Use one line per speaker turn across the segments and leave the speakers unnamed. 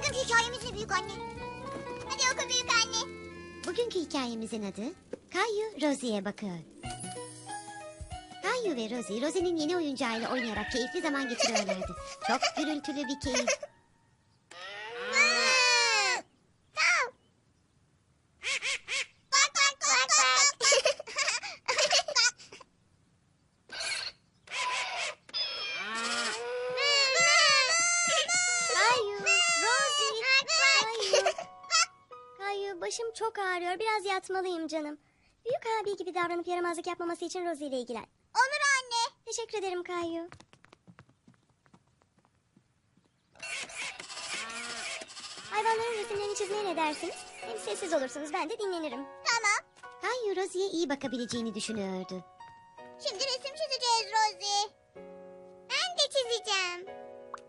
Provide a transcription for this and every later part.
Bugünkü hikayemiz ne büyük anne? Hadi oku büyük anne.
Bugünkü hikayemizin adı Kayu Rosie'ye bakıyor. Kayu ve Rosie, Rosie'nin yeni oyuncağıyla oynayarak keyifli zaman geçiriyorlardı. Çok gürültülü bir keyif.
Başım çok ağrıyor. Biraz yatmalıyım canım. Büyük abi gibi davranıp yaramazlık yapmaması için Rosie ile ilgilen.
Olur anne.
Teşekkür ederim Kayu. Hayvanların resimlerini çizmeye ne dersiniz? Hem sessiz olursunuz, ben de dinlenirim.
Tamam.
Kayu Rosie'ye iyi bakabileceğini düşünüyordu.
Şimdi resim çizeceğiz Rosie. Ben de çizeceğim.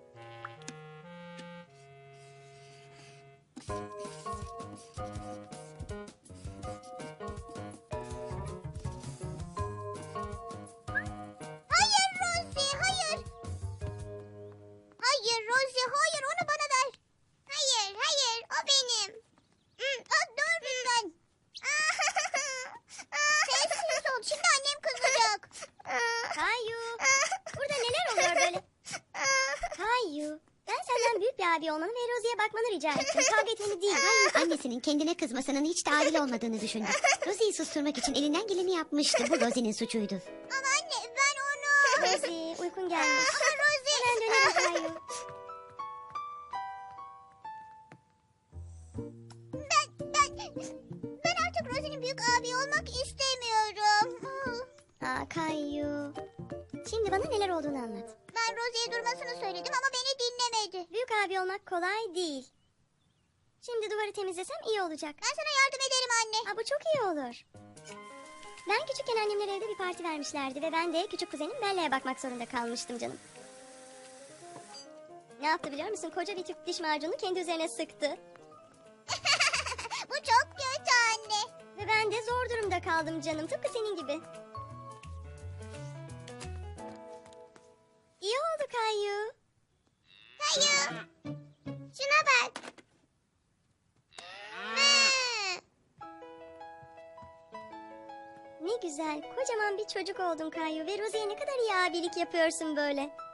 Hayır Rosie, hayır. Hayır Rosie, hayır, onu bana ver. Hayır, hayır, o benim. Dur lütfen. Sessiz ol, şimdi annem kızacak.
Kayu, burada neler oluyor böyle? Kayu, ben senden büyük bir abi olmanı ve Rosie'ye bakmanı rica ettim. Kavga etmeni değil.
Kayu annesinin kendine kızmasının hiç de adil olmadığını düşündü. Rosie'yi susturmak için elinden geleni yapmıştı. Bu Rosie'nin suçuydu.
Ama anne, ben onu...
Rosie, uykun gelmiş.
Ama Rosie...
Hemen dönelim Kayu.
Ben artık Rosie'nin büyük abi olmak istemiyorum.
Kayu. Şimdi bana neler olduğunu anlat.
Ben Rosie'ye durmasını söyledim ama beni dinlemedi.
Büyük abi olmak kolay değil. Şimdi duvarı temizlesem iyi olacak.
Ben sana yardım ederim anne.
Bu çok iyi olur. Ben küçükken annemler evde bir parti vermişlerdi ve ben de küçük kuzenim Bella'ya bakmak zorunda kalmıştım canım. Ne yaptı biliyor musun? Koca bir tüp diş macunu kendi üzerine sıktı.
Bu çok kötü anne.
Ve ben de zor durumda kaldım canım. Tıpkı senin gibi. İyi oldu Kayu.
Kayu. Şuna bak.
Ne güzel. Kocaman bir çocuk oldun Kayu. Ve Rosie'ye ne kadar iyi abilik yapıyorsun böyle.